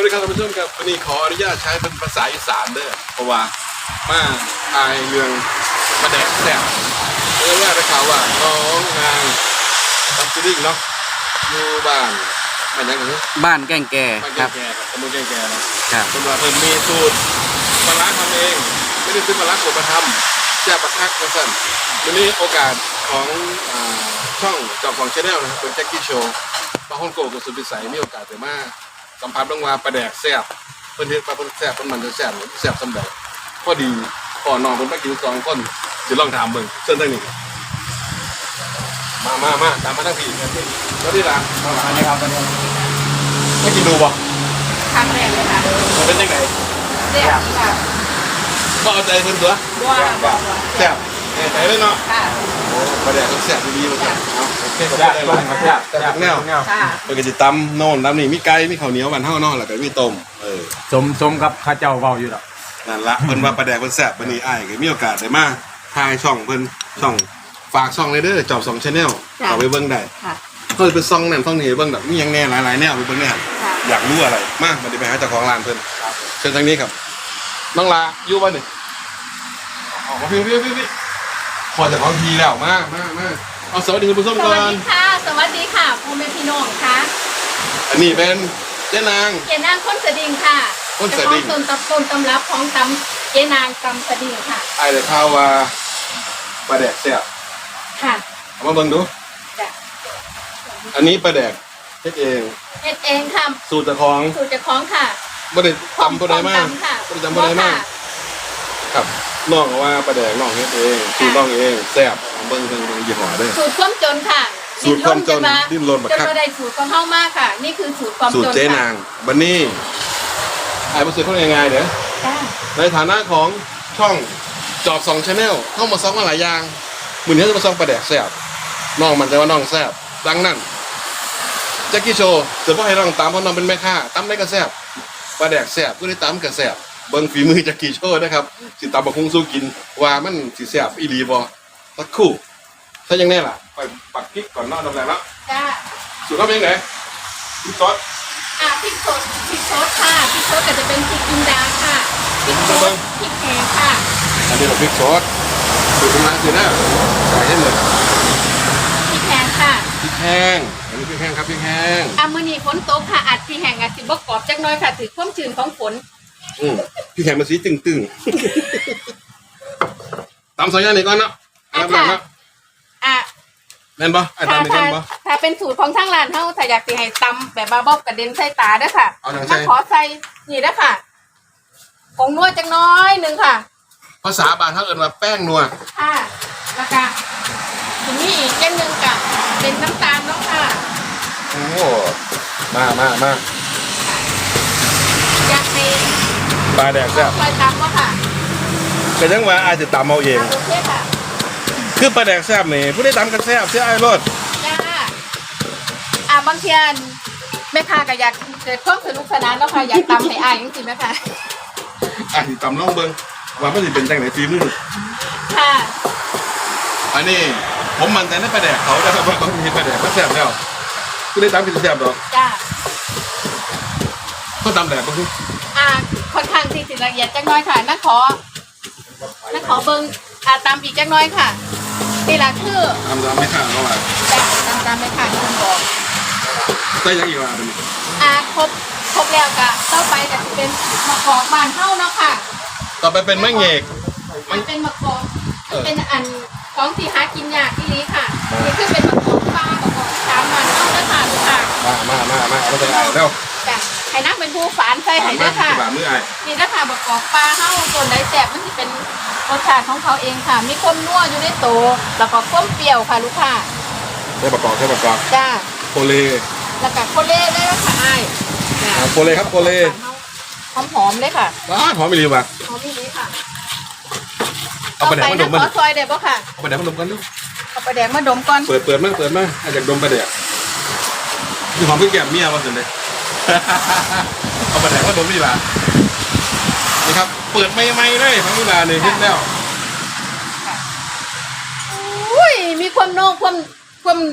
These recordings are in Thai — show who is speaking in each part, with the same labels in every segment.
Speaker 1: ดีครับท่านผู้ชมครับวันนี้ขออนุญาตใช้เป็นภาษาอีสานเด้อเพราะว่ามาทายเรื่องมาแดกแซ่บเรื่องแรกได้ข่าวว่าน้องนางทำซีรีส์เนาะอยู่บ้านมันยังไง
Speaker 2: บ้านแก้งแก่
Speaker 1: บ้าน
Speaker 2: ครับ
Speaker 1: แก่ๆครับตำบลแก่ๆเนาะ
Speaker 2: ครับ
Speaker 1: คนว่าเพิ่นมีสูตรปลาร้าทำเองไม่ได้ซื้อปลาร้ากดมาทำแซ่บปลาคักมาสั่นวันนี้โอกาสของช่องจอมของชาแนลนะครับเป็นแจ็คกี้โชว์ปลาฮ่องโกกับสุดพิสัยมีโอกาสแต่มาสัมผัสลงมาปลาแดกแซ่บเพิ่นเฮ็ดปลาเพิ่นแซ่บเพิ่นมันจะแซ่บแซ่บสำเร็จพอดีพ่อน้องเพิ่นไปกิน2 คนสิลองถามเบิ่งเชิญทางนี้มาตามมาทั้งพี่แล้วนี่ล่ะมาหลานนี่ครับไม่กินดูบ่
Speaker 3: ครั้งแรกเลยค่ะ
Speaker 1: มันเป็นยังไง
Speaker 3: แซ่บค่ะ
Speaker 1: บ่เอาใจเพิ่นตัว
Speaker 3: บัว
Speaker 1: แซ่บแน่ใจเลยเนาะ
Speaker 3: ค่ะ
Speaker 1: โอ้ปลาแดกมันแซ่บดีๆมันครับเอาโอเคก็ได้หลายแต่แนว
Speaker 3: ค่ะ
Speaker 1: เพิ่นก็สิตำโน่นตำนี่มีไก่มีข้าวเหนียวบ้านเฮาเนาะแล้วก็มีต้ม
Speaker 2: สมกับข้าเจ้าเว้าอยู่ดอก
Speaker 1: นั่นละเพิ่นว่าปลาแดกเพิ่นแซ่บวันนี้อ้ายก็มีโอกาสได้มาทายช่องเพิ่นช่องฝากช่องเลยเด้อจอบ2 Channel เอาไปเบิ่งได้
Speaker 3: ค่ะ
Speaker 1: เพิ่นเป็นช่องนั่นช่องนี้เบิ่งแบบมีหยังแน่หลายๆแนวไปเบิ่งแน่
Speaker 3: ค่ะ
Speaker 1: อยากรู้อะไรมาบัดนี้ไปหาเจ้าของร้านเพิ่นเชิญทางนี้ครับน้องลาอยู่บ่นี่ออกมาพี่พอเจ้าของทีแล้วมาเอาสวัสดีคุณผู้ชม
Speaker 3: ส
Speaker 1: ก่อ
Speaker 3: วัส
Speaker 1: น
Speaker 3: ดีค่ะ สวัสดีค่ะพ่อแม่พี่น้องค่ะ
Speaker 1: อันนี้เป็นเจ๊นาง
Speaker 3: เจนางคนสะดิงค่ะ
Speaker 1: คนสะดิ่ง
Speaker 3: เจ้าของต้นตำรับของตำเจนางตำสะดิงค่ะ
Speaker 1: ไอ้เลยข่าวว่าปลาแดกแซ่บ
Speaker 3: ค่ะ
Speaker 1: เอามาเบิ่งดู
Speaker 3: จ้ะ
Speaker 1: อันนี้ปลาแดกเฮ็ดเอง
Speaker 3: เฮ็ดเองค่ะ
Speaker 1: สูตรเจ้าของ
Speaker 3: สูตรเจ้าของค่ะ
Speaker 1: บ่ได้ตำบ่ได้มาก
Speaker 3: ค่ะ
Speaker 1: บ่ได้ตำบ่ได้มากครับน้องก็ว่าปลาแดกน้องเฮ็ดเองสูตรน้องเองแซ่บเอาเบิ่งยี่ห้อเด้อ
Speaker 3: สูตรความจนค่ะ
Speaker 1: สูตรความจนดิ้นรนบัก
Speaker 3: จน
Speaker 1: คัก
Speaker 3: มาได้สูตรของเฮามากค่ะ นี่คือสูตรความ
Speaker 1: สูต
Speaker 3: จ
Speaker 1: ร
Speaker 3: น
Speaker 1: เจ๊
Speaker 3: ค่ะ
Speaker 1: นางบัดนี้ไอ้บ่ซื้อเขาง่ายๆเด้อ
Speaker 3: จ้า
Speaker 1: ในฐานะของช่องจอบ2 Channel เข้ามาซ้อมมาหลายอย่างมื้อนี้จะมาซ้อมปลาแดกแซ่บน้องมันใจว่าน้องแซ่บดังนั้นแจ็คกี้โชว์จะบ่ให้น้องตามเพราะน้องเป็นแม่ค้าตำได้ก็แซ่บปลาแดกแซ่บผู้ใดตำก็แซ่บเบิ่งฝีมือแจ็คกี้โชว์นะครับสิตำบักหุ่งสู้กินว่ามันสิแซ่บอีหลีบ่สักครู่ถ้ายังแน่ล่ะไปปักพริกก่อนเนาะดำแรงแล้ว
Speaker 3: จ้า
Speaker 1: สูตรเขาเป็นยังไงพริกซอส
Speaker 3: พริกสดค่ะพริกสดก็จะเป็นพริกจินดาค่ะพริกสดพริกแห้งค่ะ
Speaker 1: อันนี้เราพริกซอสสูตรกำลังสินะใส่ให้เลย
Speaker 3: พริกแห้งค่ะ
Speaker 1: พริกแห้งอันนี้พริกแห้งครับพริกแห้ง
Speaker 3: มื้อนี้ฝนตกค่ะอัดพริกแห้งอาจสิบ่กรอบจักหน่อยค่ะถือความชื้นของฝน
Speaker 1: พี่แข่งมาสีตึงตำสองอย่างนี้ก่อนเนาะอันดับแรกเนาะ
Speaker 3: อ่ะ
Speaker 1: แม่นปะไอ้ตำนี่แม่นปะ
Speaker 3: ถ้าเป็นสูตรของทางร้านเฮาถ้าอยากสิให้ตำแบบว่าบ่กระเด็นใส่ตาเด้อค่ะ
Speaker 1: เอาจังใส่
Speaker 3: ขอใส่นี่เด้อค่ะผงนัวจักหน้อยหนึงค่ะ
Speaker 1: ภาษาบางเขาเอิ้นว่าแป้งนัว
Speaker 3: ค่ะแล้วก็ทีนี้อีกอย่างหนึงก็เป็นน้ำตาลเนาะค่ะ
Speaker 1: โอ้มา
Speaker 3: อยากให้
Speaker 1: ปลาแดกแซ่บ
Speaker 3: คอยตำบ่ค่ะ
Speaker 1: ก็ยังว่าอาจจะตำเอาเอง
Speaker 3: โอเคค่ะ
Speaker 1: คือปลาแดกแซ่บนี่ผู้ได้ตำกันแซ่บเสียไอ้รส
Speaker 3: จ้าบางเทียนแม่ค้าก็อยากเกิดความสนุกสนานเนาะค่ะอยากตำให้อายจังซี่แม่ค่ะ
Speaker 1: อ่ะสิตำลองเบิ่งว่ามันสิเป็นจังไหนฝีมือ
Speaker 3: ค่ะ
Speaker 1: อันนี้ผมมั่นใจในปลาแดกเขาแต่ว่าเขามีปลาแดกก็แซ่บแล้วผู้ได้ตำกินแซ่บดอก
Speaker 3: จ้า
Speaker 1: เขาตำแดกก็คือ
Speaker 3: ค่อนข้างที่สิละเอียดจักหน้อยค่ะนักขอเบิ่งตำอีกจักหน้อยค่ะนี่ล่ะคือ
Speaker 1: ตำไม่ข้างเขาว่า
Speaker 3: จ้าตำไม่ค่ะที่คุณบอก
Speaker 1: ใส่ยังอีกว่าเป็น
Speaker 3: ครบแล้วก็ต่อไปก็จะเป็นมะกอกบ้านเฮาเนาะค่ะ
Speaker 1: ต่อไปเป็นมะเงก
Speaker 3: มันเป็นมะกอกมันเป็นอันของที่หากินยากที่นี้ค่ะนี่คือเป็นมะกอกฟ้ามะกอกสามบ้านเฮาเด้อค่ะลูกค่ะ
Speaker 1: มาเอาไปใส่ไอ้แล้ว
Speaker 3: จ้ะให้นักเป็นผู้ฝานใส่ให้เด้อค่ะ
Speaker 1: บาทมือไอ้
Speaker 3: นี่นะคะมะกอกปลาเฮาส่วนใดแซ่บมันสิเป็นรสชาติของเขาเองค่ะ มีความนัวอยู่ในโตแล้วก็ความเปรี้ยวค่ะลูกค้า
Speaker 1: ใส่ประกอบ
Speaker 3: จ้า
Speaker 1: โคเล
Speaker 3: แล้วก็โคเล่ได้แล้วค่ะอ้ายจ้ะ
Speaker 1: โคเลครับโคเล
Speaker 3: หอมๆเลยค่ะ
Speaker 1: ว้าหอมไม่ดีว่ะ
Speaker 3: หอมนี่ค่ะ
Speaker 1: เอาไปแดกมาดม
Speaker 3: ต่
Speaker 1: มั
Speaker 3: อน ไปนะขอซอยได้บ่ค่ะ
Speaker 1: เอาไปแดกมาดมกันดู
Speaker 3: เอาไปแดกมาดมก่อน
Speaker 1: เปิดมาอาจจะดมไปแดกคือหอมเพิ่งแก้มเมียมาสิเลย เอาไปแดกมาดมนี่ล่ะนี่ครับเปิดไม่เลยพังนี่ล่ะเนี่ยเห็นแล้ว
Speaker 3: อุ้ยมีความโนงความ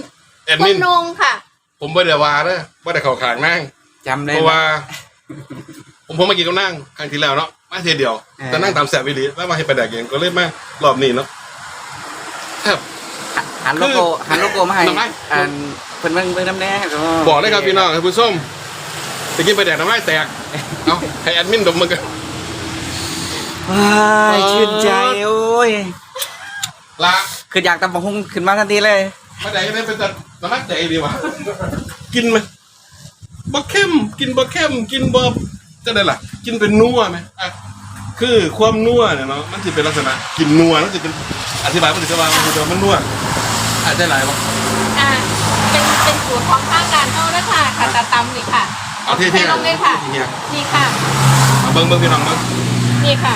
Speaker 1: เอ็ด
Speaker 3: ควา
Speaker 1: มิ
Speaker 3: ม
Speaker 1: น
Speaker 3: โนงค่ะ
Speaker 1: ผมบ่ได้ว่าเด้อบ่ได้เข้าข้างนั่ง
Speaker 2: จำได้
Speaker 1: เพราะว่าผมมากินกับนั่งครั้งที่แล้วเนาะมาเทียเดียวแต่นั่งตามแสบวิลีแล้วมาให้ไปแดกเองก็เลยมารอบนี้เนาะแทบ
Speaker 2: หันโลโก้มาให้อันเพิ่นเบิ่งน้ำแน่ก็
Speaker 1: บอกเลยครับพี่น้องครับผู้ส้มไปกินไปแดกน้ำลายแตกเอาให้แอดมินดมมันกัน
Speaker 2: ว้ายชื่นใจโอ้ย
Speaker 1: ละ
Speaker 2: คืออยากตำบักหุ่งขึ้นมาทันทีเลย
Speaker 1: มาแดกได้เป็นแต่น้ำลายแตกดีวะกินไหมบ่เข้มกินบ่เข้มกินบ่จะได้ล่ะกินเป็นนัวไหมอ่ะคือความนัวเนี่ยเนาะมันจะเป็นลักษณะกินนัวมันจะเป็นอธิบายมันจะว่ามันนัวอาจจะหลายป่ะ
Speaker 3: เป็นสูตรของภาคการเท่านั้นค่ะค่ะตาตำนี่ค่ะ
Speaker 1: เอาเท่ๆ
Speaker 3: ให้ลองเลยค่ะ
Speaker 1: เฮีย
Speaker 3: นี่ค่ะ
Speaker 1: เอาเบิ้งพี่น้องเบิ้ง
Speaker 3: นี่ค่ะ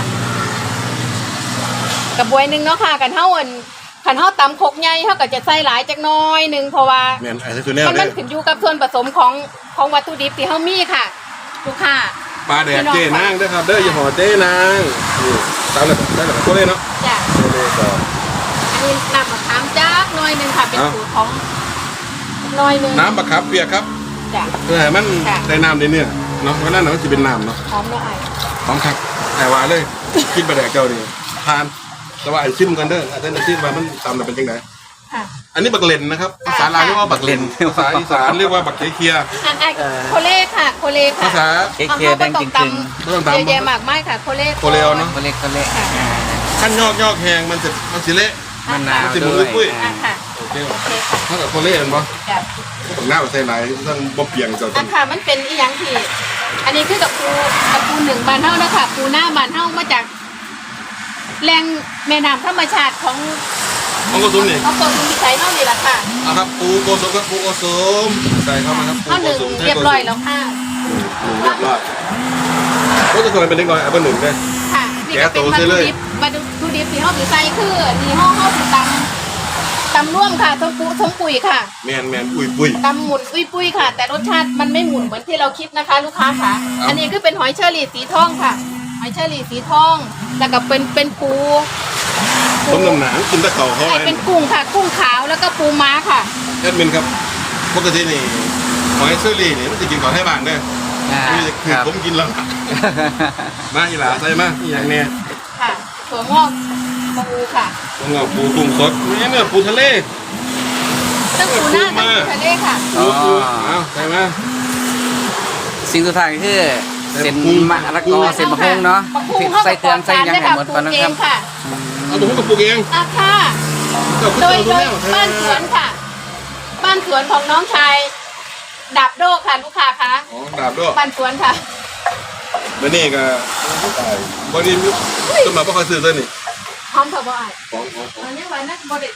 Speaker 3: กระบวยหนึ่งเนาะค่ะกันเท่าขันเท่าตำคกใหญ่เท่ากับจะใส่หลายจักหน้อยหนึ่งเพราะว่า
Speaker 1: แมนไอ้ตัวเนี้ย
Speaker 3: มัน
Speaker 1: เด้
Speaker 3: ขึ้นอยู่กับส่วนผสมของวัตถุดิบที่เฮามีค่ะลูกค้า
Speaker 1: ปลาแดกเจ้นางเด้อครับเด้ออย่าห่อเจ้นางนี่ตามเลยได้แบบตัวเล่นเนาะ
Speaker 3: จ้ะ
Speaker 1: ตัวเล่นก่อน
Speaker 3: อันนี้น้ำมะขามจักหน้อยหนึ่งค่ะเป็นสูตรของหน้อยหนึ่ง
Speaker 1: น้ำบักขับเปียกครับ
Speaker 3: จ้ะ
Speaker 1: เพื่อให้มันได้น้ำในเนื้อเนาะเพราะนั่นน่ะมันจะเป็นน้ำเนาะ
Speaker 3: หอมละไอ
Speaker 1: พร้อมครับแต่ว่าเลยกินปลาแดกเจ้านี่ทานแต่ว่าไอ้ชิมกันเด้ออาจจะชิมว่ามันตำน่ะเป็นยังไง
Speaker 3: ค่ะ
Speaker 1: อันนี้บักเลนนะครับภาษาลาวเรียกว่าบักเลนภาษาอีสานเรียกว่าบักเคีย
Speaker 3: อันโคเล่ค่ะโคเล่ค่ะ
Speaker 1: ภาษา
Speaker 2: เค้กแดงจริง
Speaker 1: ไม่ต้อง
Speaker 3: เยอะแยะ
Speaker 1: ตำ
Speaker 3: มากมายค่ะโคเล่
Speaker 1: โคเลโอเนาะ
Speaker 2: ๆเขาเล็ก
Speaker 1: ขั้นยอกแหงมันสิเละ
Speaker 2: มะนาว
Speaker 1: สิหมุน
Speaker 2: ด้วย
Speaker 1: ปุ้ย
Speaker 3: อ่ะค่ะ
Speaker 1: โอเค
Speaker 3: โอเคค่ะ
Speaker 1: ถ้ากับโคเล่เห็นปะ
Speaker 3: จ้ะ
Speaker 1: ผมหน้าใส่ไหนต้องบ่เปียงเจ้า
Speaker 3: อ่ะค่ะมันเป็นอีหยังที่อันนี้คือกับปูหนึ่งบานเท่านะคะปูหน้าบานเท่ามาจากแหล่งแม่น้ำธรรมชาติของ
Speaker 1: มันก็ซุ้มนี่
Speaker 3: ของตัวคุณพิชัยเท่านี้แหละค่ะ
Speaker 1: เอาครับปูโกสมครับปูโกสมใส่เข้ามาครับปู
Speaker 3: เท่า
Speaker 1: โก
Speaker 3: หนึ่ง
Speaker 1: สม
Speaker 3: เรียบร้อยแล้วค่ะ
Speaker 1: เรียบร้อยก็จะส่วนเป็นเล็กน้อยเอาเบอร์หนึ่งได้
Speaker 3: ค่ะนี่ก็เป็นวัตถุดิบที่ห้องถือใส่คือนี่ห้องถือตำร่วมค่ะต้มปุ๋ยค่ะ
Speaker 1: แมนปุ้ย
Speaker 3: ตำหมุนอุ้ยปุ้ยค่ะ แต่รสชาติมันไม่หมุนเหมือนที่เราคิดนะคะ ลูกค้าค่ะ อันนี้คือเป็นหอยเชอรี่สีทองค่ะหอยเชอรี่สีทองแล้วก็เป็นปู
Speaker 1: ต้มน้ำหนังกินตะเข่าเขา
Speaker 3: ใช่
Speaker 1: ไว้
Speaker 3: เป็นกุ้งค่ะกุ้งขาวแล้วก็ปูม้าค่ะ
Speaker 1: แอดมินครับปกตินี่หอยเชอรี่นี่มันจะกินก่อนให้บ้านเด้อ
Speaker 2: อ่า
Speaker 1: นี่คือ
Speaker 2: ครับ
Speaker 1: ผมกินแล้วมาอีหลาใส่มาอีอย่างเนี้ย
Speaker 3: ค่ะถั่วงอกปูค่ะ
Speaker 1: ผมเอาปูกุ้งสดนี่เนี่ยปูทะเล
Speaker 3: ตั้งปูหน้าตั้งปูทะเลค่ะ
Speaker 1: ปูเอาใส่มา
Speaker 2: สิ่งสุดท้ายคือเส้นมะละกอเส้นมะฮุงเนาะ
Speaker 3: มะฮุงเข้า
Speaker 2: ใส่
Speaker 3: กับ
Speaker 2: เครื่องใส่หยังให้หมดก่อน
Speaker 3: ปลู
Speaker 2: นะ
Speaker 3: กเอ
Speaker 2: ครับ
Speaker 3: งค่ะ
Speaker 1: เอาตัวผมกับปูเอง
Speaker 3: อ่ะค่ะ
Speaker 1: เจ้าคุณ
Speaker 3: โดย
Speaker 1: เจ้าดูแม่
Speaker 3: บ้านสวนค่ะ บ้านสวนของน้องชายดาบโดค่ะลูกค้าคะ
Speaker 1: อ๋อดาบด้วย
Speaker 3: บ้านสวนค่ะ
Speaker 1: แล้วนี่ก็บอดี้ต้นมาเพราะเขาซื้อตัวนี่
Speaker 3: พร้อมค่ะบ่อย
Speaker 1: ของ
Speaker 3: อันนี้วันนั้นบ่ได้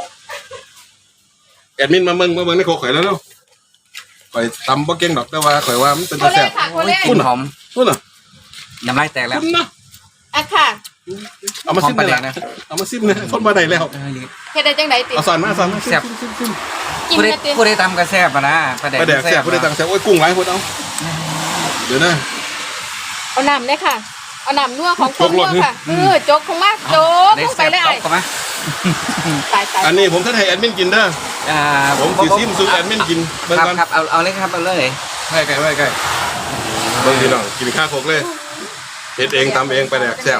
Speaker 1: แอดมินมาเมืองในโคข่อยแล้วเนาะข่อยตำบ่เก่งดอกแต่ว่าข่อยว่ามันเป็น
Speaker 3: โค
Speaker 1: ตาแซ่
Speaker 3: เล่
Speaker 1: บ
Speaker 3: ค่ะโค
Speaker 2: โอ้ย
Speaker 3: เล่
Speaker 2: กลิ่นหอม
Speaker 1: คุณน่ะ
Speaker 2: น้ำลายแตกแล้ว
Speaker 1: คุณนะ
Speaker 3: อ่ะค่ะ
Speaker 1: เอามาซิม
Speaker 2: หอมปลาแด
Speaker 1: เลย
Speaker 2: กนะ
Speaker 1: เอามาซิมเลยคนมาได้แล้ว
Speaker 3: เฮ็ดได้จังไดติ
Speaker 1: เอาสอนมาซิม
Speaker 3: กิน
Speaker 2: ผู้ใด
Speaker 3: ได้ติ
Speaker 2: ผู้ใดทำกระแซบอะนะปลาแดก
Speaker 1: ไปแดกแซ่บผู้ใดตังแซ่บโอ้ยกุ้งหลายคนเอาเดี๋ยวนะ
Speaker 3: เอาน้ำเลยค่ะ เอาน้ำนัวของ
Speaker 1: จกหลอด
Speaker 3: นัวค่ะโจกของมากโจกลงไปเลยไอ้
Speaker 2: เข้ามา
Speaker 3: ตาย
Speaker 1: อันนี้ผมท่านให้แอดมินกินเด้อ
Speaker 2: อ่า
Speaker 1: ผมสิซิมสู่แอดมินกินเบิ่ง
Speaker 2: ครับ
Speaker 1: ก่อน
Speaker 2: ครับเอาเลยครับเอาเลย
Speaker 1: ใกล้ใกล้ใกล้เบิ่งพี่น้องกินข้าวโคกเลยเฮ็ดเองตำเองไปแดกแซ่บ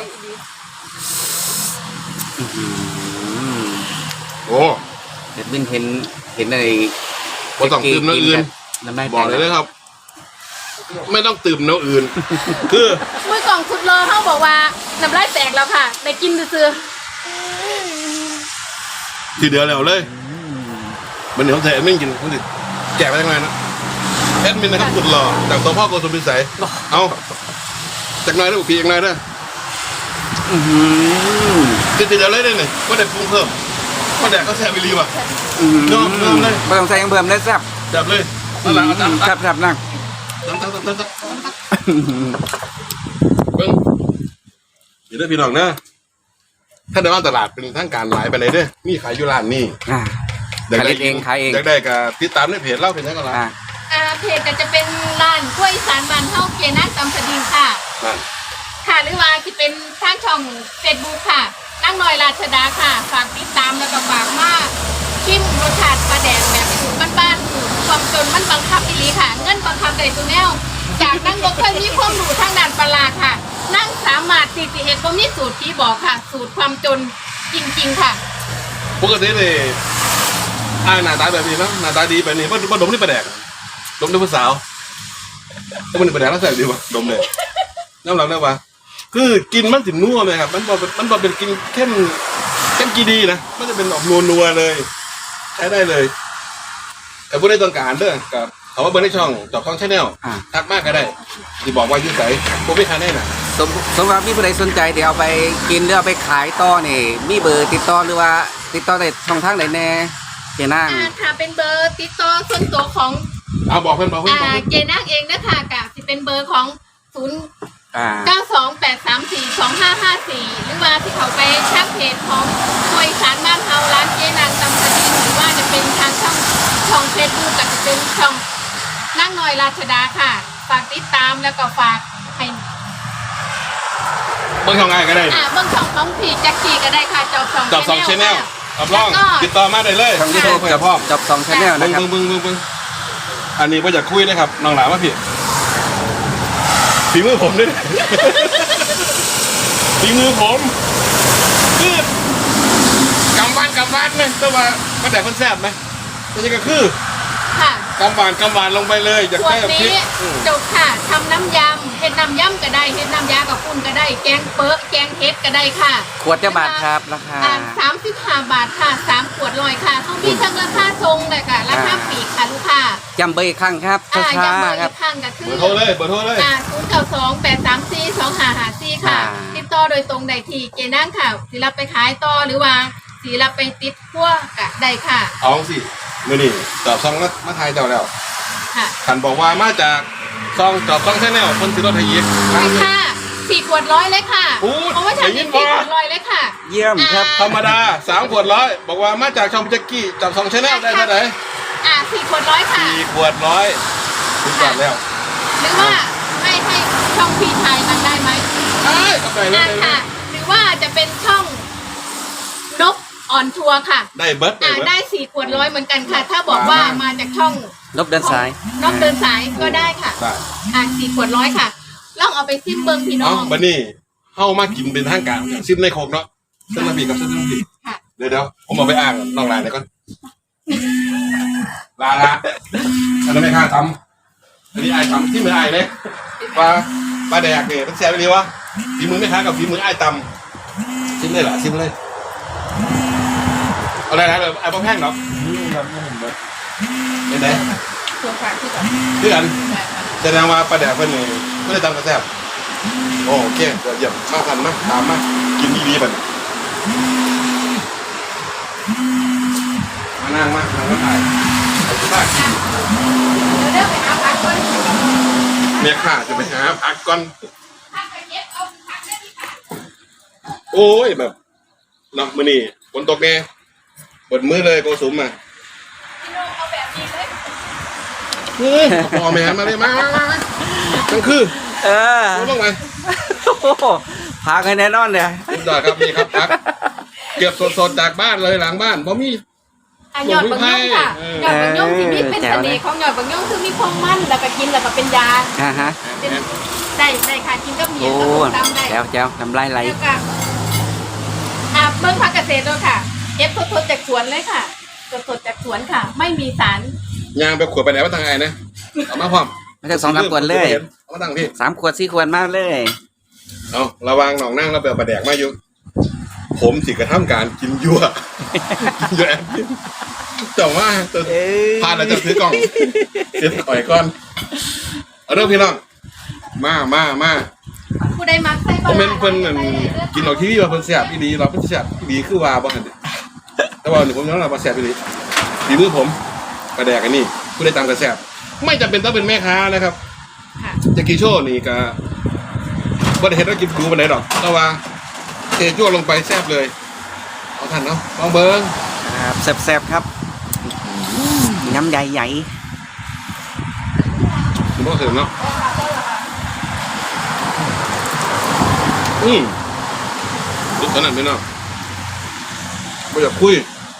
Speaker 1: โอ้
Speaker 2: เด็ดบินเห็นอะไร
Speaker 1: บ่ต้องตื่มน้ำอื่น
Speaker 2: น้ำลาย
Speaker 1: บอกเลยนะครับ ไม่ต้องตื่มน้ำอื่น คือ
Speaker 3: มือกล่องสุดรอเขาบอกว่าน้ำลายแตกแล้วค่ะได้กินซื่อ
Speaker 1: ทีเดียวแล้วเลยมันเดี๋ยวผมใส่แอดมินกินผมจะแจกไปยังไงนะแอดมินนะครับสุดหล่อจากตัวพ่อโกสุมพิสัยเอาจากหน้อยได้บุกพีจากหน้อยได้ทีเดียวเลยได้หนึ่งก็ได้ปรุงเพิ่มก็แดกก็แซ่บไปรีว่ะยอมเลย
Speaker 2: ไม่ต้องใส่ยังเบิ่มได้แซ่บ
Speaker 1: จับเลยนั่นแหละเอาจับ
Speaker 2: แซ่บนั่ง
Speaker 1: จับเบิ้งเดี๋ยวได้พี่น้องนะถ้าเดินมาตลาดเป็นทางการหลายไปเลยเด้อมีขายอยู่ร้านนี้
Speaker 2: ขายเองขายเอง
Speaker 1: อยากได้ก็ติดตามในเพจเล่าเป็นยังไงล่ะ
Speaker 3: เพจก็จะเป็นร้านกล้วยอีสานบ้านเฮาเกียนักตำสะดิงค่ะ
Speaker 1: นั่น
Speaker 3: ค่ะหรือว่าที่เป็นทางช่อง Facebook ค่ะนั่งน้อยราชดาค่ะ ฝากติดตามแล้วก็ฝากมาชิมรสชาติปลาแดงแบบสูตรบ้านๆสูตรความจนมันบังคับอีหลีค่ะ เงินบังคับได้ตัวแนวจากากนั่งบ่เคยมีความรู้ทางด้านปลาค่ะ นั่งสามารถที่สิเฮ็ดบ่มีสูตรที่บอกค่ะ สูตรความจนจริงๆค่ะ
Speaker 1: ปกติเลยหน้าตาแบบนี้เนาะหน้าตาดีแบบนี้ว่าดมนี่ประแดกดมด้วยผู้สาวถ้ามันประแดกแล้วใส่ดีวะดมเลยน้ำหลังได้ปะคือกินมันสินัวเลยครับมันบอกเป็นกินเข้มกีดีนะมันจะเป็นออกนัวเลยใช้ได้เลยแต่ผู้ใดต้องการเด้อกับเขาว่าเบอร์ในช่องจอบช่องชาแนลทักมากก็ได้ที่บอกว่ายืดใส่พวกไม่คันได้น่ะ
Speaker 2: สำหรับมีผู้ใดสนใจเดี๋ยวเอาไปกินหรือเอาไปขายต่อนี่มีเบอร์ติดต่อหรือว่าติดต่อในช่องทางไหนแน่เจนาง
Speaker 3: ค่ะเป็นเบอร์ติดต่อส่วนตัวของ
Speaker 1: เอาบอกเพื่อนบอกเพื่อนบอกเพื่อน
Speaker 3: เจนักเองนะคะกับที่เป็นเบอร์ของ092-834-2554 หรือว่าที่เขาไปแคปเพจของควยสารบ้านเฮาร้านเจนางตำสดินหรือว่าจะเป็นทางช่องเฟซบุ๊กกับจะเป็นช่องนั่งหน่อยราชดาค่ะ ฝากติดตามแล้วก็ฝากให้
Speaker 1: เบอร์ช่องไงก็ได้
Speaker 3: เบื้องช่องของพี่แจ็คกี้ก็ได้ค่ะจอบสอง
Speaker 1: ชาแนลรับรองติดต่อมาได้เลย
Speaker 2: ช่องยู
Speaker 1: ที่โท
Speaker 2: ทู
Speaker 1: ร
Speaker 2: บ
Speaker 1: เพื่อพ่อ
Speaker 2: จบ2 Channel นะครับ
Speaker 1: มึงอันนี้ว่าอยากคุยนะครับน้องหลานว่าพี่ฝีมือผมด้วย ฝีมือผมคือกำวานไหมแต่ว่ามันแต่คนแซ่บไหมไม่ใช่ก็คือ
Speaker 3: ค่ะ
Speaker 1: กำวานลงไปเลยอยาก
Speaker 3: ขวด
Speaker 1: แซ่บพริ
Speaker 3: นี้
Speaker 1: ก
Speaker 3: จบค่ะทำน้ำยำเห็ดน้ำยำก็ได้เห็ดน้ำยากับปุ้นก็ได้ แกงเป๊ะแกงเห็ดก็ได้ค่ะ
Speaker 2: ขวดจะบาทครับราคา
Speaker 3: 35 บาทค่ะ3 ขวดลอยค่ะเขามีทั้งราคาทรงเลยค่ะราคาปีกค่ะลูกค้า
Speaker 2: จำเบอร์อีกครั้งครับช้า
Speaker 3: ย้ำเบอร์
Speaker 2: ๆค
Speaker 3: อี
Speaker 2: รับ
Speaker 3: กครั้งก็คือ
Speaker 1: เบอร์โทรเลย
Speaker 3: 092-834-2554 ค่ะ ติดต่อโดยตรงได้ที่เจนั่งค่ะสิรับไปขายต่อหรือว่าสิรับไปติดพวกก็ได้ค่ะ
Speaker 1: เอาสิมื่อนี่จอบซองมาทายเจ้าแล้ว
Speaker 3: ค่ะ
Speaker 1: ขันบอกว่ามาจากซองจอบซองชาแนลคนซื้อรถไทยยิป
Speaker 3: ไปค่ะ4 ขวดร้อยเลยค่ะ
Speaker 1: โอ้ย
Speaker 3: เพราะว่าฉัน
Speaker 1: ได้ยิ
Speaker 3: มี
Speaker 1: น
Speaker 3: 4
Speaker 1: บ่
Speaker 3: ขวดร้อยเลยค่ะ
Speaker 2: เยี่ยมครับ
Speaker 1: ธรรมดา3 ขวดร้อยบอกว่ามาจากช่องแจ็กกี้จอบซองชาแนลได้เท่าไหร่
Speaker 3: 4 ขวดร้อยค่ะ
Speaker 1: 4 ขวดร้อยถึงก่อนแล้ว
Speaker 3: หรือว่าให้ช่องพี่ชายมันได้ไหม
Speaker 1: เอ้ยเอาไปเลย
Speaker 3: ค่ะ หรือว่าจะเป็นช่องนกออนทัวร์ค่ะ
Speaker 1: ได้เบิร์ด
Speaker 3: ได้4 ขวดร้อยเหมือนกันค่ะ ถ้าบอกว่ามาจากช่อง
Speaker 2: นบเดินสาย
Speaker 3: นกเดินสายก็ได้ค่ะ
Speaker 1: ได้
Speaker 3: 4 ขวดร้อยค่ะลองเอาไปซิมเบิงพี่น้
Speaker 1: เอา
Speaker 3: อง
Speaker 1: บันนี่เข้ามากินเป็นทางการอย่างซิมในโคกเนาะเส้นน้ำพริกกับเส้นน้ำพริก
Speaker 3: ค่ะ
Speaker 1: เดี๋ยวผมเอาไปอ่างน้องลายหน่อยก่อนลาอันนั้นไม่ข้าทำอันนี้ไอ้ทำที่มือไอ้เลยปลาแดกเนี่ยเป็นแซ่บไปเลยวะฝีมือไม่ค้ากับฝีมือไอ้ตำซิมเลยเหรอซิมเลยเอาอะไรนะแบบไอ้พ่อแพงเนาะเป็นไง
Speaker 3: ตัวฝากที่ก่อน
Speaker 1: เพื่อนแสดงว่าปลาแดกเพื่อนนี่ไม่ได้ตำกระแซ่บโอเคเดี๋ยวเยี่ยมมากันนะตามมากินดีๆไปมานั่งมาถ่ายเอาไป
Speaker 3: เดี๋ยวไปหาผักก่อน
Speaker 1: เมียข้าจะไปหาพักก่อน
Speaker 3: ผักไปเก็บเอาผักได้ที่ค่ะ
Speaker 1: โอ้ยแบบเนาะมื้อนี้ฝนตกแน่เปิดมือเลยโกสุมมา
Speaker 3: พี่น้องเอาแบบนี้เลย
Speaker 1: พ่อแม่มาเลยมาทั้งคืน
Speaker 2: เออ
Speaker 1: รู้บ้างไหม
Speaker 2: โอ้โหพากันแน่นอนเลย
Speaker 1: คุณจอดครับนี่ครับพักเก็บสดๆจากบ้านเลยหลังบ้านเพราะมี
Speaker 3: หยอดบางย่องค่ะหยอดบางย่องที่นี่เป็นเสน่ห์ของหยอดบางย่องคือมีความมันแล้วก็กินแล้วก็เป็นยา
Speaker 2: ฮะ
Speaker 3: เป็นได้ค่ะกินกับเมีย
Speaker 2: โอ้
Speaker 3: กับต้มตำได้
Speaker 2: แจ๋วน้ำลายไหล
Speaker 3: แล้วก็เบิ่งผักเกษตรด้วยค่ะเก็บสดๆจากสวนเลยค่ะสดๆจากสวนค่ะ ไม่มีสาร
Speaker 1: ยางไปขวดไปไหนมาทางไงนะเอามาพร้อม
Speaker 2: ไม่ใช่2-3 ขวดเลย
Speaker 1: เอามาตั้งพี่
Speaker 2: 3 ขวด 4 ขวดมากเลย
Speaker 1: เอาระวังหนองนั่งแล้วเปลปลาแดกมาอยู่ผมสิกระทำการกินยั่วกินยั่วแอบกินแต่ว่าพาเราจะซื้อกล่องเสียต่อยก่อนเอาเรื่องพี่น้องมา
Speaker 3: ผู้ใดมักใส่
Speaker 1: คอมเมนต์เพิ่นนั่นกินออกทีวีว่าเพิ่นแซ่บอีหลีเราเพิ่นแซ่บอีหลีคือว่าบ่หั่นแต่ว่านี่ผมยอมรับว่าแซ่บอีหลีฝีมือผมกระแดกอันนี้ผู้ใดตามกระแซ่บไม่จำเป็นต้องเป็นแม่ค้านะครับ
Speaker 3: ค่ะ
Speaker 1: จะกี่โชว์นี่ก็บ่ได้เห็นว่ากินดูปานใดดอกแต่ว่าเทจั่วลงไปแซ่บเลยเอาทันเนาะลองเบิ่ง
Speaker 2: ครับแซ่บๆครับน้ำใหญ่
Speaker 1: คุณบ่เห็นเนาะดูตอนนั้นไปเนาะบ่อยากคุย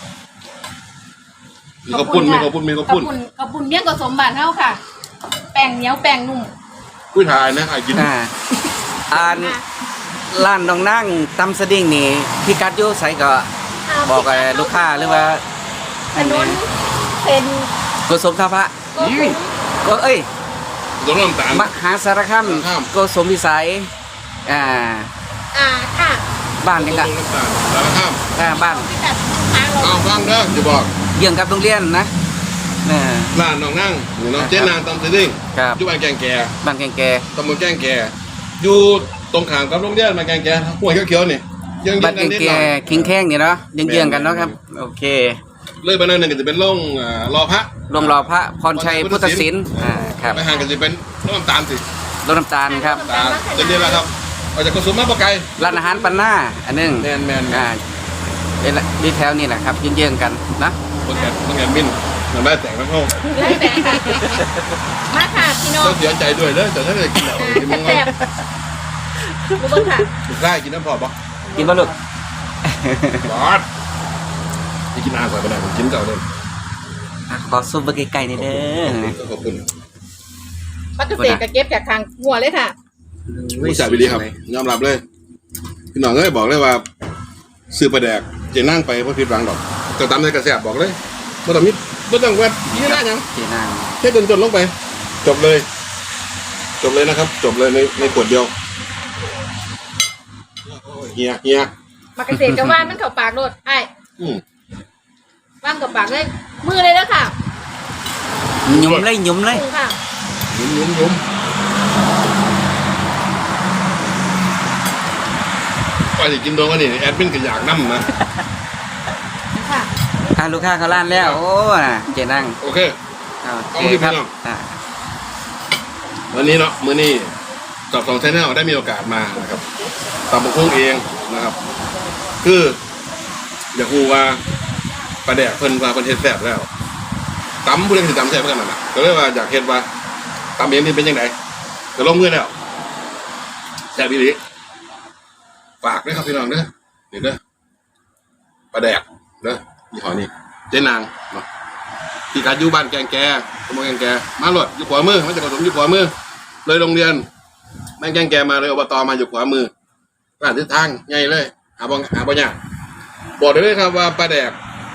Speaker 1: มีข้าวปุ้น
Speaker 3: กระปุนเมี่ยงผสมบานเฮาค่ะ แป้งเหนียวแป้งนุ่ม
Speaker 1: กุ้ยทายนะไอ้กิน
Speaker 2: อ่านร้านน้องนั่งตำสดิ้งนี่พี่กัดอยู่ใส่ก็บอกกับลูกค้าหรือว่า
Speaker 3: ถนนเป็น
Speaker 2: โกสมท่าพระ
Speaker 3: โกสุม
Speaker 2: ก็เอ้ย
Speaker 1: ตรงน้ำตาล
Speaker 2: มหาสารคาม
Speaker 1: สารคาม
Speaker 2: โกสมวิสัยอ่า
Speaker 3: ค่ะ
Speaker 2: บ้าน
Speaker 1: ตร
Speaker 2: ยัง
Speaker 1: ง
Speaker 2: กะ
Speaker 1: น้ำตาลสารข้าม
Speaker 2: บ้าน
Speaker 3: พิกัดทางเรา
Speaker 1: เอาฟังเด้อจะบอก
Speaker 2: เยื่องกับโรงเรียนนะอ่า
Speaker 1: ร้านน้องนั่งหรือน้องเจ๊นางตำสดิ้ง
Speaker 2: ครับ
Speaker 1: อยู่บ้านแกงแก่
Speaker 2: บ้านแกงแก
Speaker 1: ตำบลแกงแก่อยู่ตรงข้ามกับโรงเรียนบ้านแกงแก่ห้วยเขียวๆนี่ยัง
Speaker 2: บ้านแกง
Speaker 1: นิด
Speaker 2: แก
Speaker 1: หน่อย
Speaker 2: คิงแข้งนี่เนาะเยื่องๆกันเนาะครับโอเค
Speaker 1: เลยบ้านนั้นก็จะเป็นโรงรอพระ
Speaker 2: รวมรอพระพรชัยพุทธศิลป์ครับ
Speaker 1: ไปห่างกันจะเป็นน้ำตาลสิ
Speaker 2: รถน้ำตาลครับ
Speaker 1: ตาลจะเรียนแล้วครับออกจากกระสุนมาปะไกล
Speaker 2: ร้านอาหารปันหน้าอันหนึง
Speaker 1: แมนแมน
Speaker 2: เป็นดีแถวนี่แหละครับเยื่องๆกันนะ
Speaker 1: คนแก่มินน้ำได้แต่งน้ำเข้า
Speaker 3: แล้วแต่ค่ะมาค่ะพี่น้อง
Speaker 1: ต้องเสียใจด้วยเด้อแต่ถ้าเกิดกินเหล้ากินมังง
Speaker 3: แซ่บดูเบิ้งค่ะ
Speaker 1: ได้กินน้ำพอปะ
Speaker 2: กินบ่ลูก
Speaker 1: บอสจะกินอาใส่ไปไหนผมกินเก่าเลย
Speaker 2: ขอซุปเบอร์ไก่ๆนี่เด้อ
Speaker 1: ขอบคุณ
Speaker 3: ปักเกษตรกับเก็บจากทางหัวเลยค่ะ
Speaker 1: ผู้ชายไปดีครับยอมรับเลยพี่น้องเอ้ยบอกเลยว่าซื้อปลาแดกเจนั่งไปเพราะผิดหวังดอกจะตามในกระแสบอกเลยไม่ต้องมิดไม่ต้องแวดยี่หน้ายัง
Speaker 2: เจนาง
Speaker 1: แค่จนลงไป จบเลย จบเลยนะครับ จบเลยในขวดเดียวเฮีย
Speaker 3: ปักเกษตรกับว่านมันเข้าปากโลดไอ้
Speaker 1: อืม
Speaker 3: ว่างกับปากเลย มือเลยแล้วค่ะ
Speaker 2: หยุ่มเลยหยุ่มเลย
Speaker 3: มือค่ะ
Speaker 1: ยุ่มไปสิกินโดนกันนี่แอดมินก็อยากนั่มนะ
Speaker 3: ค่ะ
Speaker 2: ลูกค้าเขาล้านแล้ว โอ้น่ะเจนาง
Speaker 1: โอเค
Speaker 2: โอเคครับ
Speaker 1: เอามาที่พี่น้อง
Speaker 2: อ่า
Speaker 1: วันนี้เนาะมื้อนี้กับ2 Channel ได้มีโอกาสมานะครับตำบักหุ่งเองนะครับ คืออยากรู้ว่าปลาแดกเพิ่นว่าเพิ่นเฮ็ดแซ่บแล้วตำผู้ใดสิตำแซ่บกันนั่นน่ะก็เลยว่าอยากเฮ็ดว่าตำเองนี่เป็นจังไดก็ลงมือแล้วแซ่บอีหลีฝากด้วยครับพี่น้องเด้อเดี๋ยวเด้อปลาแดกเด้อยี่ห้อนี้เจ๊นางเนาะพี่กัดอยู่บ้านแกงแกตำบลแกงแกมาโลดอยู่ขวามือมันจะผสมอยู่ขวามือเลยโรงเรียนบ้านแกงแกมาเลยอบตมาอยู่ขวามือร้านทิศทางใหญ่เลยหาบ่ยากบอกได้เลยครับว่าปลาแดก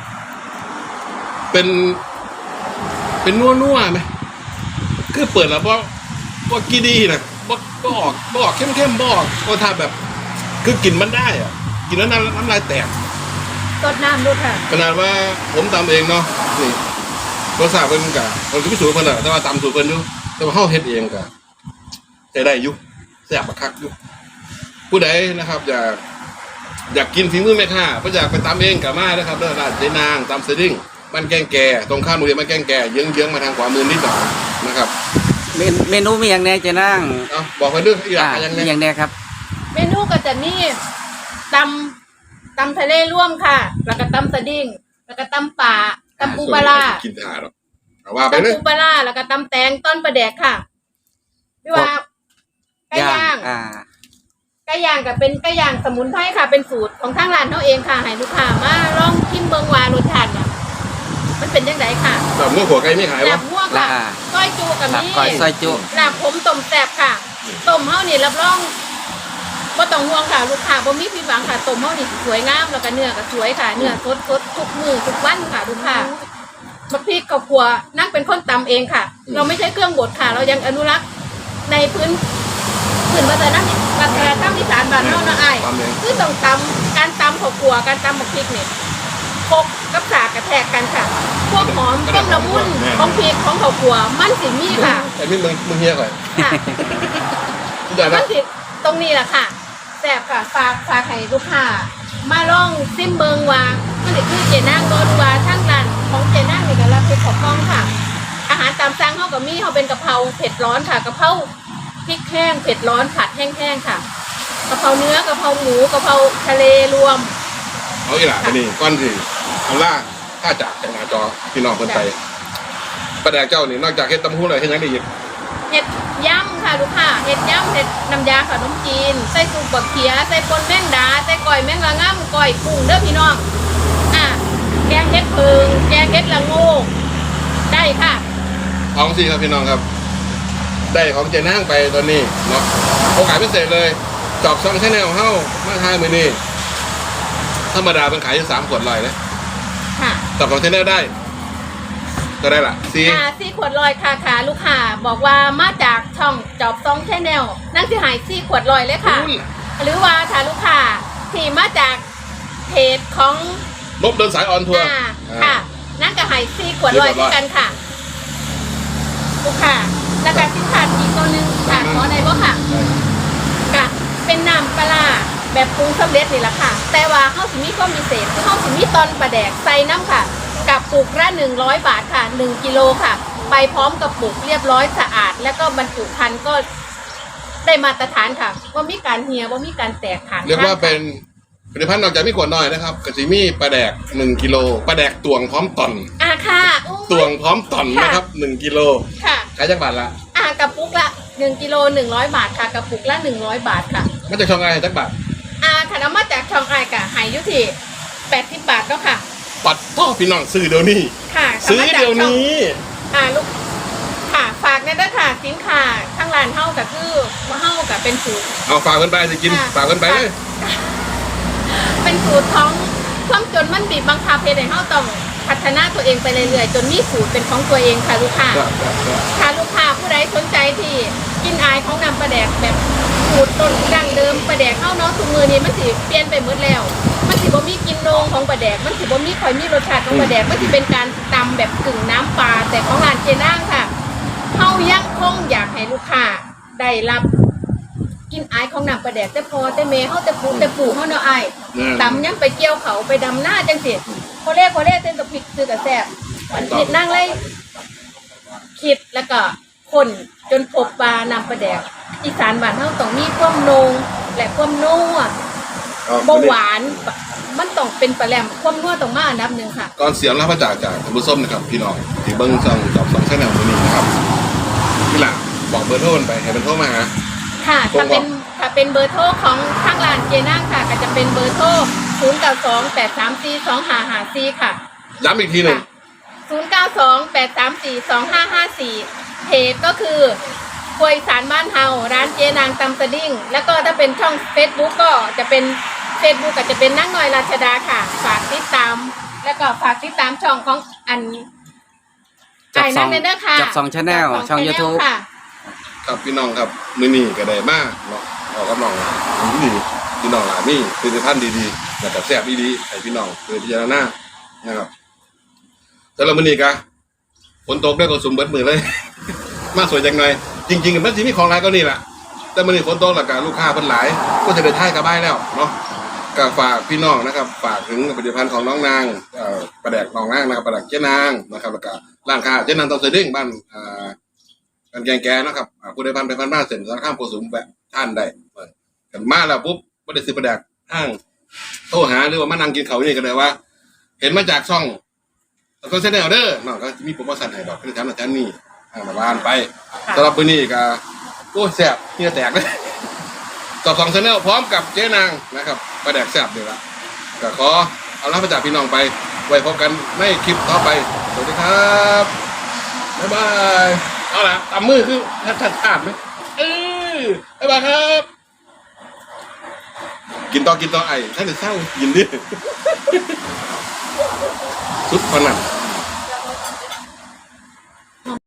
Speaker 1: เป็นนัวไหมคือเปิดแล้วบ่กี่ดีนะบ่ออกเข้มบ่ออกก็ถ้าแบบ คือกินมันได้อะกินแล้วน้ำลายแตก
Speaker 3: ตดน้ำดูค่ะ
Speaker 1: ขนาดว่าผมตำเองเนาะนี่รสชาติเพิ่นกะผมจะพิสูจน์เพิ่นแหละแต่ว่าตำสูตรเพิ่นอยู่แต่ว่าเฮาเฮ็ดเองกะใจได้อยู่แซ่บบักคักอยู่ผู้ใดนะครับอยากกินฝีมือแม่ค้าบ่อยากไปตำเองก็มาเด้อครับเด้อร้านเจ๊นางตำสดิ้งบ้านแกงแก่ตรงข้ามโรงเรียนบ้านแกงแก่เยื้องๆมาทางขวามือนิดหน่อยนะครับ
Speaker 2: เมนูมีอย่างแน่เจนาง
Speaker 1: เอาบอกไปเรื่องอีกอย่าง
Speaker 2: มี
Speaker 1: ไง
Speaker 2: อย่างแน่ครับ
Speaker 3: เมนูก็จะมีตำทะเลร่วมค่ะ แล้วก็ตำสะดิ้งแล้วก็ตำป่าตำปูปลาร้า
Speaker 1: กินทาหรอกเอาว่าไปเลย
Speaker 3: ตำปูปลาร้าแล้วก็ตำแตงต้นปลาแดกค่ะพี่ว่าไก่ย่าง ไก่ย่างก็เป็นไก่ย่างสมุนไพรค่ะ เป็นสูตรของทางร้านเขาเองค่ะให้ลูกค้ามาลองชิมเบิงวารสชาติเนี่ยมันเป็นยังไงค่ะ
Speaker 1: แบบเมื่อหัวไก่ไม่ขายวะ
Speaker 3: ลาบมั่วค่ะก้อยจูกับ
Speaker 2: ลาบ
Speaker 3: นี่
Speaker 2: ก้อยซอยจุ
Speaker 3: ลาบผมต้มแซ่บค่ะต้มเฮานี่รับรองบ่ต้องห่วงค่ะลูกค้าบ่มีผิดหวังค่ะต้มเฮานี่สวยงามแล้วก็เนื้อก็สวยค่ะเนื้อสดทุกมื้อทุกวันค่ะลูกค้าบักพริกกับขัวนั่งเป็นคนตำเองค่ะ เราไม่ใช่เครื่องบดค่ะ เรายังอนุรักษ์ในพื้นวัฒนธรรมอีสานบ้านเฮานะอ้ายคือต้องตำการตำข้าวขัวการตำบักพริกนี่พกกับสากกระแทกกันค่ะพวกหอมต้มละมุนของพริกของข้าวขัวมันสิมีค่ะ
Speaker 1: ไอ้นี่มึงเฮียก่อน
Speaker 3: ค่ะ
Speaker 1: ทุกอย่าง
Speaker 3: มั
Speaker 1: นะ
Speaker 3: นสิตรงนี้แหละค่ะแซ่บค่ะฝากให้ลูกค้ามาลองซิมเบิงว่ามันสิคือเจนางรสว่าทางร้านของเจนางนี่ก็รับเป็นของกล้องค่ะ อาหารตามสั่งเฮาก็มีเฮาเป็นกะเพราเผ็ดร้อนค่ะกะเพราพริกแห้งเผ็ดร้อนผัดแห้งๆค่ะกะเพราเนื้อกะเพราหมูกะเพราทะเลรวม
Speaker 1: เอาอีหล่ะนี่ก้อนสิเอาล่าถ้าจากหน้าจอพี่น้องคนไทยประแดกเจ้านี่นอกจากเฮ็ดตำหู้เลยเฮ็ดยังได้อีก
Speaker 3: เห็ดย่ำค่ะลูกค้าเห็ดย่ำเห็ดน้ำยาขนมจีนใส่ซุปบักเขียใส่ปนแมงดาใส่ก้อยแมงละง่ำก้อยกุ้งเด้อพี่น้องแกงเห็ดเพิงแกงเห็ดละโงกได้ค่ะ
Speaker 1: ท้องสิครับพี่น้องครับได้ของเจนางไปตอนนี้เนาะโอกาสพิเศษเลยจอบซองชาแนลเฮ้ามาทายมือนี่ธรรมดาเป็นขายอยู่3 ขวดลอยนะ
Speaker 3: ค่ะ
Speaker 1: จอบซองชาแนลได้ก็ได้ละซี
Speaker 3: ซี่ขวดลอยค่ะลูกค้าบอกว่ามาจากช่องจอบซองแชนแนลนั่นสิหายซี่ขวดลอยเลยค่ะ หรือว่าถ้าลูกค้าที่มาจากเพจของ
Speaker 1: ลบเดินสายออนทัวร์
Speaker 3: ค่ะนั่นก็หายซี่ขวดลอยด้วยกันค่ะลูกค้าแล้วก็สินค้าอีกตัวหนึงค่ะขอในบ่ค่ะกะเป็นน้ำปลาร้าแบบปรุงสำเร็จนี่แหละค่ะ แต่ว่าเขาสิมีความพิเศษคือเขาสิมีตอนปลาแดกใส่น้ำค่ะ กับปุกละ100 บาทค่ะ1 กิโลค่ะ ไปพร้อมกับปุกเรียบร้อยสะอาด แล้วก็บรรจุภัณฑ์ก็ได้มาตรฐานค่ะว่ามีการเหี่ยว่ามีการแตกค่ะ
Speaker 1: เรียกว่าเป็นผลิตภัณฑ์นอกจากมีขวดน้อยนะครับกระสีมีปลาแดก1 กิโลปลาแดกตวงพร้อมตอน
Speaker 3: ค่ะอู้
Speaker 1: ตวงพร้อมตอนนะครับ1 กิโล
Speaker 3: ค่ะ
Speaker 1: ขายจักบาทละ
Speaker 3: กระปุกละ1 กิโล100 บาทค่ะกระปุกละ100 บาทค่ะ
Speaker 1: มันจะช่องอะไรจักบาท
Speaker 3: ถ้าเอามาจากช่องไอกะหายอยู่ที่80 บาทก็ค่ะ
Speaker 1: ปัดพ่อพี่น้องซื้อเดี๋ยวนี้
Speaker 3: ค่ะ
Speaker 1: ซื้อเดี๋ยวนี้
Speaker 3: ลูกค่ะฝากในด้วยค่ะสินค้าข้างร้านเฮาก็คือว่าเฮาก็เป็นสูตร
Speaker 1: เอาฝากกันไปสิกิน
Speaker 3: ค่ะ
Speaker 1: ฝากกันไปเลย
Speaker 3: เป็นสูตรของความจนมันบีบบังคับให้เฮาต้องพัฒนาตัวเองไปเรื่อยๆจนมีสูตรเป็นของตัวเองค่ะลูกค้า ถ้าลูกค้าผู้ใดสนใจที่กินอายของนำปลาแดกแบบสูตรต้นดั้งเดิมปลาแดกเข้าเนาะทุกมือนี้มันสิเปลี่ยนไปหมดแล้ว มันสิบ่มีกลินโนงของปลาแดกมันสิบ่มีค่อยมีรสชาติของปลาแดกมันสิเป็นการตำแบบกึ่งน้ำปลาแต่ของร้านเจนางค่ะเฮายังคงอยากให้ลูกค้าได้รับกินอายของน้ำปลาแดกแต่พอแต่เมเฮาแต่ปู่เฮาเนาะอายตำยังไปเกี่ยวเขาไปดำหน้าจังสิพอเล่เส้นกับพริกซื้อกับแซ่บคิดนั่งเลยคิดแล้วก็คนจนพบปลานำปลาแดกอีสานบ้านเฮาต้องมีความโนงและความนัวบ่หวานมันต้องเป็นปลาแหลมความนัวต้องมาอันดับหนึ่งค่ะ
Speaker 1: ก่อนเสียงรับประจากท่านผู้ชมนะครับพี่น้องที่เบิ้งช่องจอบ2 ชาแนลตัวนี้นะครับพี่หลังบอกเบอร์โทรไปให้เป็นโทรมาหา
Speaker 3: ค่ะถ้าเป็นเบอร์โทรของทางร้านเจนางค่ะก็จะเป็นเบอร์โทร0928342554ค่ะ
Speaker 1: ย้ำอีกทีหนึ่ง
Speaker 3: 0928342554เพจก็คือครัวอีสานบ้านเฮาร้านเจนางตำสะดิ้งแล้วก็ถ้าเป็นช่อง Facebook ก็จะเป็น Facebook ก็จะเป็นนางน้อยราชดาค่ะฝากติดตามแล้วก็ฝากติดตามช่องของอัน
Speaker 2: จับซอง
Speaker 3: ไอ้นั่นเด้อค่ะ
Speaker 2: จับซองชาแนลช่อง YouTube
Speaker 3: ค่ะ
Speaker 1: ครับพี่น้องครับมื้อนี้ก็ได้มากเนาะออกกับน้องดีพี่น้องหลายนี่ผลิตภัณฑ์ดีๆแล้วก็แซ่บดีๆให้พี่น้องเพื่อพิจารณานะครับแต่ละมื้อนี้ก็ฝนตกด้วยก็สุ่มเบิดมือเลย มาสวยจังหน่อยจริงๆมันสิมีของหลายก็นี่แหละแต่มื้อนี้ฝนตกแล้วก็ลูกค้าเพิ่นหลายก็จะได้ท้ายกลับบ้านแล้วเนาะก็ฝากพี่น้องนะครับฝากถึงผลิตภัณฑ์ของน้องนางปลาแดกน้องนางนะครับปลาแดกเจ๊นางนะครับแล้วก็ร้านค้าเจ๊นางตำเสด็จบ้านกันแกงนะครับผู้ใดพันไปพันมาเสร็จสารข้ามโกสุมแบบท่านได้กันมาแล้วปุ๊บไม่ได้ซื้อปลาแดกห้างโทรหาหรือว่ามานั่งกินเขาวนี่กันเลยว่า เห็นมาจากช่องก็เซ็นเดอร์เดอร์น้องก็มีโปรโมชั่นให้ดอกคือแถมหนักแถมนี่มาบ้านไปสำหรับมื้อนี้ก็โอ้แซ่บเฮียแตกเลยต่อ2 ชาแนลพร้อมกับเจ๊นางนะครับปลาแดกแซ่บเลยละก็ขอเอาลาไปจากพี่น้องไปไว้พบกันในคลิปต่อไปสวัสดีครับบ๊ายบายเอาล่ะตำมือคือทัดไหมบ๊ายบายครับกินต่อไอ้ถ้าจะเศร้ากินดิ สุดพนัน